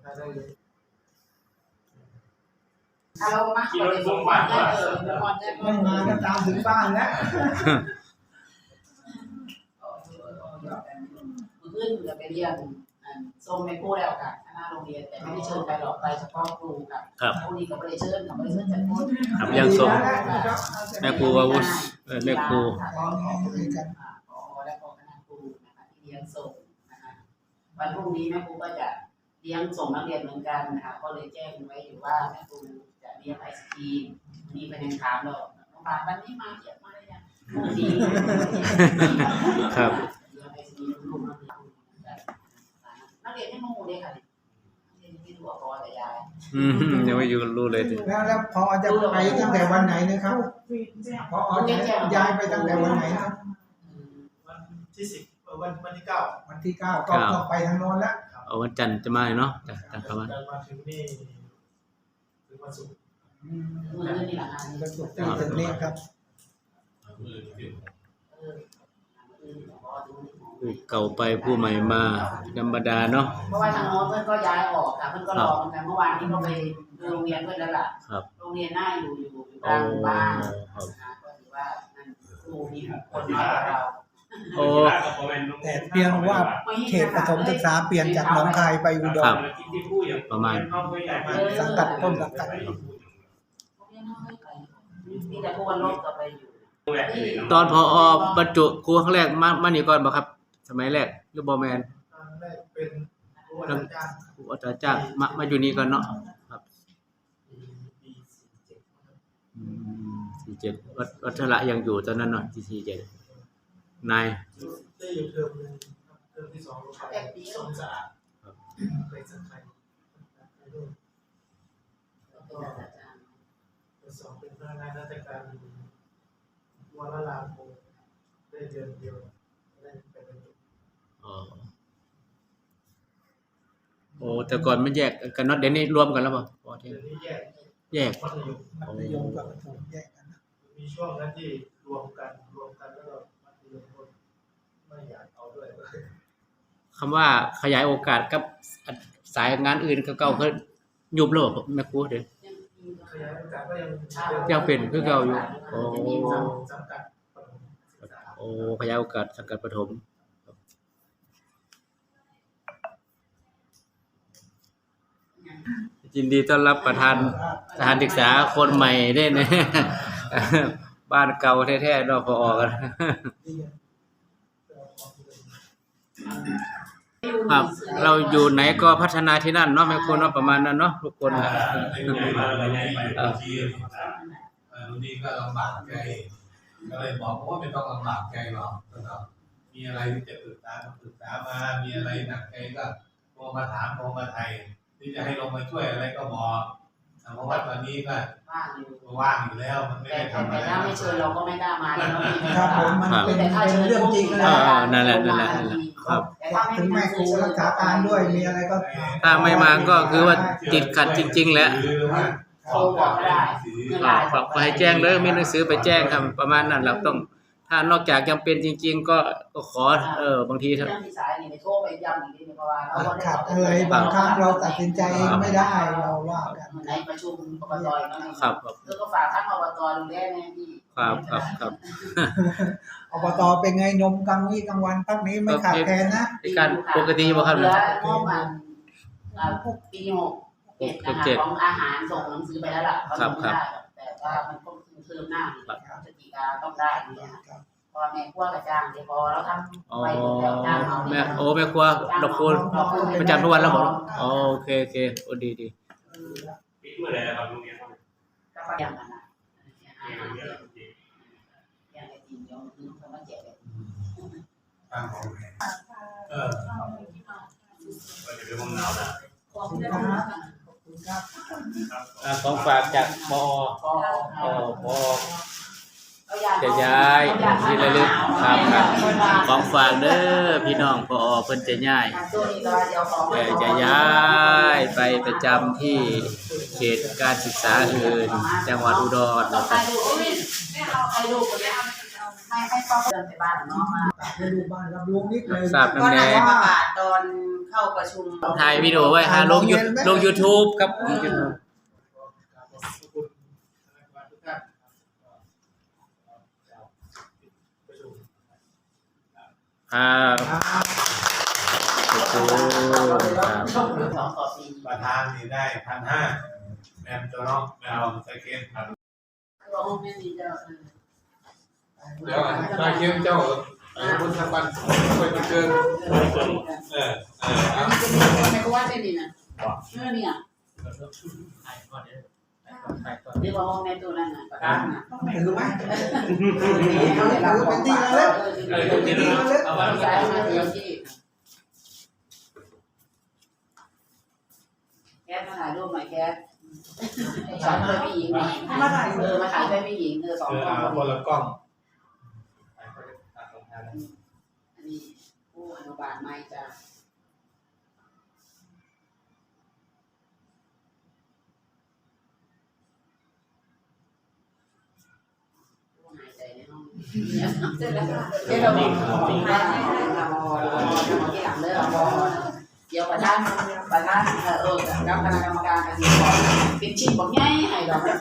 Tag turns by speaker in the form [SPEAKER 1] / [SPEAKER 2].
[SPEAKER 1] ถ้าเรามาขี่รถบุ้งบ้านก็
[SPEAKER 2] ไม่มาก็ตามถึงบ้านแล้ว
[SPEAKER 1] ขึ้นจะไปเรียนส่งในครูแล้วค่ะคณะโรงเรียนแต่ไม่ได้เชิญไปหรอกไปเฉพาะครูค่ะพวกนี้ก็ไม่ได้เชิญค่ะไม่ได้เชิญจากคน
[SPEAKER 3] ครับยังส่งแม่ครูวาวุฒิแม่ครู
[SPEAKER 1] และก็คณะครูนะคะที่เลี้ยงส่งนะคะวันพรุ่งนี้แม่ครูก็จะเลี้ยงส่งนักเรียนเหมือนกันนะคะก็เลยแจ้งไว้อยู่ว่าแม่ครูจะเลี้ยงไอศกรีมนี่เป็นยังถามเราโรงพยาบาลวันนี้มาเยอะมากเลยนะพรุ่งนี้
[SPEAKER 3] ครับ
[SPEAKER 1] เลี้ยงไอศกรีมลูกนักเรียนให้โมโหเลยค่ะนักเรียนที่ดูพอแต่ยาย
[SPEAKER 3] ยังไม่อยู่รู้เลยที
[SPEAKER 2] แล้วพอจะไปตั้งแต่วันไหนนะครับพอจะย้ายไปตั้งแต่วันไหนนะ
[SPEAKER 4] วันที่10วันที่9
[SPEAKER 2] วันที่9ก็ไปทางโน้นแล้ว
[SPEAKER 3] วันจันทร์จะมาเนาะจากประมาณ
[SPEAKER 4] มาถึงนี่ถึงวันศุกร์
[SPEAKER 1] มื้อนี้ล่ะค่ะ
[SPEAKER 2] วันศุกร์ถึงนี้ครับ
[SPEAKER 3] ผู้เก่าไปผู้ใหม่มาธรรมดาเนาะ
[SPEAKER 1] เพราะว่าทางโน้นเพื่อนก็ย้ายออกค่ะเพื่อนก็รอเหมือนกันเมื่อวานนี้ก็ไปดูโรงเรียนเพื่อนแล้วล่ะโรงเรียนหน้าอยู่กลางบ้านนะคะก็ถือว่านั่นครูมี6 คนน้อยกว่าเรา
[SPEAKER 2] แต่เพียงว่าเขตประถมศึกษาเปลี่ยนจากหนองคายไปอุดร
[SPEAKER 3] ประมาณ
[SPEAKER 2] สังกัดต้นสังกัด
[SPEAKER 1] มีแต่ผู้วันลบต่อไปอยู่
[SPEAKER 3] ตอนพออบรรจุครูครั้งแรกมานี่ก่อนบ่ครับสมัยแรกหรือบ่แม่น
[SPEAKER 4] ตอนแรกเป็นครูอาจารย์
[SPEAKER 3] จ้างมาอยู่นี่ก่อนเนาะครับ47วัชระยังอยู่ตอนนั้นเนาะ47นาย
[SPEAKER 4] ได้อยู่เทอมนึงเทอมที่2ลงไปสงสารไปสังไค2เป็นพนักงานราชการวันละล้านโมได้เดือนเดียวได้ไปเป็น
[SPEAKER 3] โอ้แต่ก่อนมันแยกกันเนาะเดี๋ยวนี้รวมกันแล้วป่ะ
[SPEAKER 4] เดี๋ยวนี้
[SPEAKER 3] แยก
[SPEAKER 4] มัธ
[SPEAKER 2] ยมกับประถมแยกกัน
[SPEAKER 4] มีช่วงนั้นที่รวมกันแล้วก็มัธยมก็ไม่อยากเอาด้วย
[SPEAKER 3] คำว่าขยายโอกาสกับสายงานอื่นเก่าๆก็ยุบโลกแม่ครูเด้อ
[SPEAKER 4] ขยายโอกาสก็
[SPEAKER 3] ยังเป็นคือเก่าอยู่
[SPEAKER 4] สังกัดประถม
[SPEAKER 3] ขยายโอกาสสังกัดประถมยินดีต้อนรับประธานสถานศึกษาคนใหม่ได้นะบ้านเก่าแท้ๆเนาะพอกันครับเราอยู่ไหนก็พัฒนาที่นั่นเนาะแม่ครูเนาะประมาณนั้นเนาะทุกคน
[SPEAKER 5] นี่ก็ลำบากใจก็เลยบอกว่าไม่ต้องลำบากใจหรอกมีอะไรที่จะปรึกษามามีอะไรหนักใจก็โทรมาถามโทรมาไทยที่จะให้ลงมาช่วยอะไรก็บอกเพราะว่าตอนนี้ก็ว่างอยู่แล้วมันไม่ได้ทำอะไร
[SPEAKER 1] แต่ถ้าไม่เชิญเราก็ไม่กล้ามาแล้ว
[SPEAKER 2] ครับผมมันเป็นเรื่องจริงนะ
[SPEAKER 3] นั่นแหละ
[SPEAKER 2] ครับถึงแม่ครูรักษาการด้วยมีอะไรก็
[SPEAKER 3] ถ้าไม่มาก็คือว่าติดขัดจริงๆแหละ
[SPEAKER 1] โทรบอกได้
[SPEAKER 3] ฝากไปแจ้งเลยมีหนังสือไปแจ้งครับประมาณนั้นเราต้องถ้านอกจากจำเป็นจริงๆก็ขอบางที
[SPEAKER 1] เรื่องที่สายนี่ไปโทรไปย้ำอีกทีนึงเพราะว่าเรา
[SPEAKER 2] ขาดอะไรบางครั้งเราตัดสินใจเองไม่ได้เราว่ากัน
[SPEAKER 1] ในประชุมอบต
[SPEAKER 3] ครับ
[SPEAKER 1] ก็ฝากท่านอบตดูแลแน่พี่
[SPEAKER 3] ครับ
[SPEAKER 2] อบตเป็นไงนมกลางวันพักนี้ไม่ขาดแคลนนะ
[SPEAKER 3] การปกติบ่ครับ
[SPEAKER 1] เหลืองบมันปี67ของอาหารส่งหนังสือไปแล้วล่ะเขาไม่ได้แต่ว่ามันก็เพิ่มหน้าพฤศจิกาต้องได้เนี่ยพอแม่ครัวกับจ้างเดี๋ยวพอเราทำไปแล้วจ้างเอา
[SPEAKER 3] แม่แม่ครัวดอกคูณประจำทุกวันแล้วหมดโอเคโอ้ดี
[SPEAKER 4] ปีเมื่อไหร่ครับโรงเรียน
[SPEAKER 1] ก็ประหยัดนะอย่างไอ้ทีมย้อนคือเขามาแจกเลย
[SPEAKER 5] ตั้งของ
[SPEAKER 4] ไปเดี๋ยวผมหนาวนะ
[SPEAKER 3] ของฝากจากปอจะย้ายที่ระลึกครับของฝากเด้อพี่น้องปอเพิ่นจะย้ายจะย้ายไปประจำที่เขตการศึกษาอื่นจังหวัดอุดรนะครับ
[SPEAKER 1] ให้พ่อเดินไปบ้านน้องมา
[SPEAKER 2] ไปดูบ้านรับลุงนิดเลย
[SPEAKER 3] ทราบ
[SPEAKER 1] ก็
[SPEAKER 3] น้ำแด
[SPEAKER 1] ได้
[SPEAKER 3] ง
[SPEAKER 1] ประกาศตอนเข้าประชุม
[SPEAKER 3] ถ่ายวิดีโอไว้หาลงลง YouTube ครับ
[SPEAKER 4] ขอบคุณคณะกรรมการทุกท่านประชุม
[SPEAKER 3] ครับขอบคุณครับ
[SPEAKER 1] สองต่อปี
[SPEAKER 5] ประธานนี่ได้1,500แมมตัวน้องแมวสเก็ตครับ
[SPEAKER 1] ร้องไม่มีเจ้า
[SPEAKER 5] เดี๋ยวมาเขียนเจ้าไอ้พุทธบัณฑิตไปมาเกิน
[SPEAKER 1] อันนี้จะมีคนในกว่าได้นี่นะเนี่ยเรียกว่าห้องในตัวนั้นน่ะประกันน่ะ
[SPEAKER 2] ถือไหม
[SPEAKER 1] เขาได้รับของฝากเอามาใช้มาเดียวที่แก๊สมาถ่ายรูปหน่อยแก๊สสองคนผู้หญิงมาถ่ายมาถ่ายด้วยผู้หญิงสองคน
[SPEAKER 5] คนละกล้อง
[SPEAKER 1] อันนี้ผู้อนุบาลไม่จะหายใจในห้องเสร็จแล้วค่ะเดี๋ยวเราให้เราที่หลังเลิกเดี๋ยวประธานกับคณะกรรมการกันดีก่อนเป็นชิ้นบอกง่ายให้ดอก